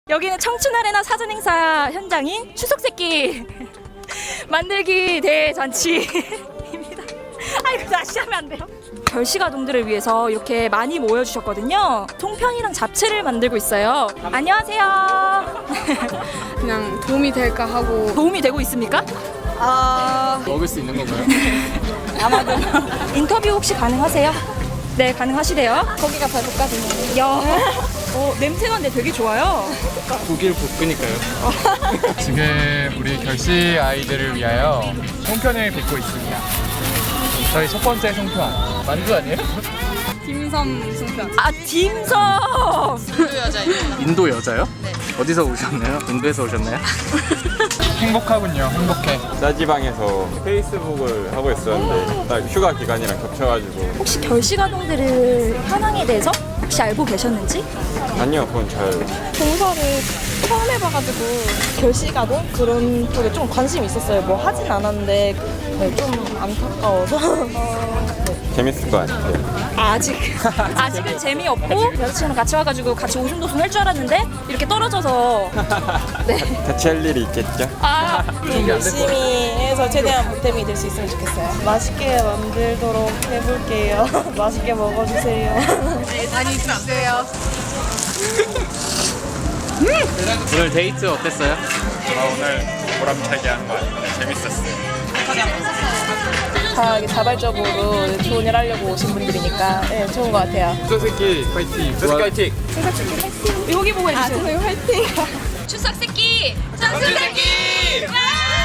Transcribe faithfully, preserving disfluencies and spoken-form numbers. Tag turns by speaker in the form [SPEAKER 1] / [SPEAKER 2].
[SPEAKER 1] 여기는 청춘아레나 사전행사 현장인 추석새끼 만들기 대잔치입니다. 아이고 다시 하면 안 돼요. 결식아동들을 위해서 이렇게 많이 모여주셨거든요. 송편이랑 잡채를 만들고 있어요. 안녕하세요.
[SPEAKER 2] 그냥 도움이 될까 하고.
[SPEAKER 1] 도움이 되고 있습니까?
[SPEAKER 2] 아
[SPEAKER 3] 먹을 수 있는 건가요?
[SPEAKER 1] 아마도. 인터뷰 혹시 가능하세요? 네, 가능하시대요.
[SPEAKER 2] 고기가 배고프거든요.
[SPEAKER 1] 야, 어, 냄새가 근데 되게 좋아요.
[SPEAKER 3] 고기를 볶으니까요. 지금 우리 결식 아이들을 위하여 송편을 빚고 있습니다. 저희 첫 번째 송편 만두 아니에요?
[SPEAKER 2] 딤섬 송편.
[SPEAKER 1] 아, 딤섬.
[SPEAKER 3] 인도 여자요? 네. 어디서 오셨나요? 인도에서 오셨나요? 행복하군요. 행복해.
[SPEAKER 4] 짜지방에서 페이스북을 하고 있었는데 딱 휴가 기간이랑 겹쳐가지고
[SPEAKER 1] 혹시 결식아동들을 현황에 대해서 혹시 알고 계셨는지?
[SPEAKER 4] 아니요 그건 잘
[SPEAKER 5] 봉사를 처음 해봐가지고 결식아동 그런 쪽에 좀 관심이 있었어요. 뭐 하진 않았는데 네, 좀 안타까워서
[SPEAKER 4] 재밌을 것 같아요.
[SPEAKER 1] 아직 아직은 재미없고 여자친구랑 같이 와가지고 같이 오순도순 할 줄 알았는데 이렇게 떨어져서 네.
[SPEAKER 4] 같이 할 일이 있겠죠?
[SPEAKER 1] 아,
[SPEAKER 5] 열심히 해서 최대한 보탬이 될 수 있으면 좋겠어요. 맛있게 만들도록 해볼게요. 맛있게 먹어주세요.
[SPEAKER 2] 많이 주세요.
[SPEAKER 3] 오늘 데이트 어땠어요?
[SPEAKER 6] 아, 오늘 보람차게 한 거 같아요. 재밌었어요.
[SPEAKER 5] 다 이렇게 자발적으로 좋은 일 하려고 오신 분들이니까 네, 좋은 것 같아요.
[SPEAKER 3] 추석새끼 파이팅!
[SPEAKER 4] 파이팅!
[SPEAKER 1] 여기 보고 해주세요.
[SPEAKER 5] 저희 화이팅!
[SPEAKER 1] 추석새끼! 청춘새끼!